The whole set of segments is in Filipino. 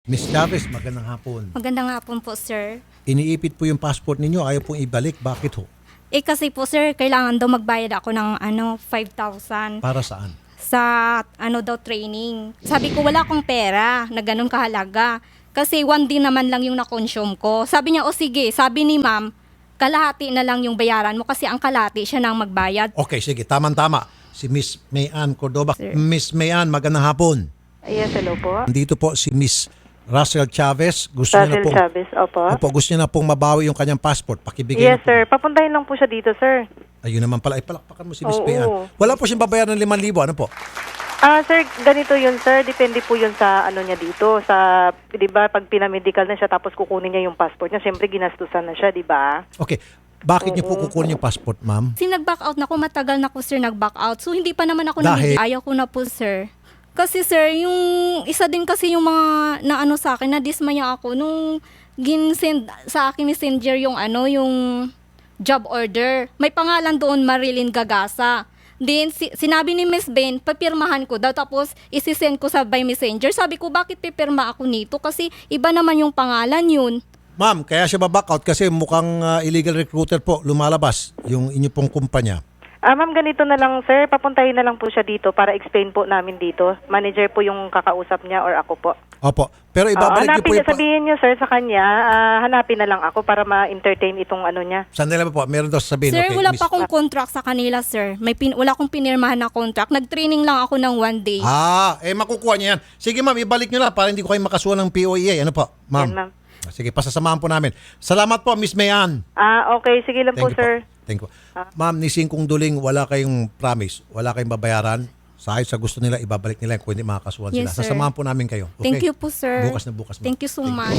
Miss Chavez, magandang hapon. Magandang hapon po, sir. Iniipit po yung passport ninyo, ayaw pong ibalik. Bakit ho? Kasi po, sir, kailangan daw magbayad ako ng 5,000 Para saan? sa training. Sabi ko, wala akong pera na ganun kahalaga. Kasi 1 day naman lang yung na-consume ko. Sabi niya, o sige, sabi ni ma'am, kalahati na lang yung bayaran mo kasi ang kalahati siya nang magbayad. Okay, sige, tama-tama. Si Miss Mayan Cordoba. Sir. Miss Mayan, magandang hapon. Yes, hello po. Nandito po si Miss Russell Chavez. Gusto niya na Russell pong, Chavez, opo. gusto niya na pong mabawi yung kanyang passport. Pakibigay Yes, na po. sir. Papuntahin lang po siya dito, sir. Ayun naman pala. Palakpakan mo si Miss Oo. Mayan. Wala po siyang babayaran ng 5,000. Ano po? Sir, ganito yun, sir. Depende po yun sa ano niya dito. Sa, di ba, pag pinamedical na siya tapos kukunin niya yung passport niya, siyempre ginastusan na siya, di ba? Okay. Bakit niyo po kukunin yung passport, ma'am? Kasi nag-back out na ako, matagal na ako, sir, nag-back out. So, hindi pa naman ako Dahil? Ayaw ko na po, sir. Kasi, sir, yung isa din kasi yung mga naano sa akin, na-dismaya ako nung ginsend sa akin ni Messenger yung yung job order. May pangalan doon, Marilyn Gagasa. Then, sinabi ni Miss Ben, papirmahan ko daw. Tapos, isisend ko sa by messenger. Sabi ko, bakit pipirma ako nito? Kasi iba naman yung pangalan yun. Ma'am, kaya siya ba-back out kasi mukhang illegal recruiter po lumalabas yung inyo pong kumpanya. Ma'am, ganito na lang, sir. Papuntahin na lang po siya dito para explain po namin dito. Manager po yung kakausap niya or ako po. Opo. Pero ibabalik niyo po Hanapin niya, yung... sabihin niyo, sir, sa kanya, hanapin na lang ako para ma-entertain itong ano niya. Sandali po, meron daw sasabihin. Sir, Okay, wala Miss- pa akong contract sa kanila, sir. Wala akong pinirmahan na contract. Nag-training lang ako ng 1 day. makukuha niya yan. Sige ma'am, ibalik niyo na para hindi ko kayo makasuhan ng POEA. Ano po, ma'am? Yan, ma'am. Sige, pasasamahan po namin. Salamat po, Miss Mayan. Okay. Sige lang po, Thank you sir. Thank you. Ma'am, ni Singkong Duling, wala kayong promise. Wala kayong babayaran. Sa gusto nila, ibabalik nila kung hindi makakasuhan sila. Yes, sir. Sasamahan po namin kayo. Okay? Thank you po, sir. Bukas na bukas, ma'am. Thank you so much.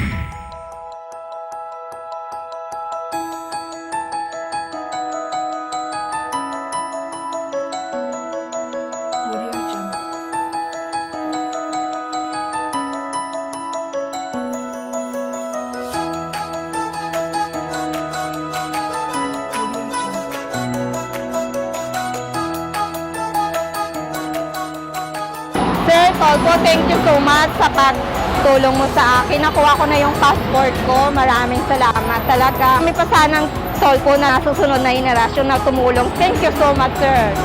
Sir Tolpo, thank you so much sa pagtulong mo sa akin. Nakuha ko na yung passport ko. Maraming salamat talaga. May pa sanang Tolpo na susunod na henerasyon na tumulong. Thank you so much, sir.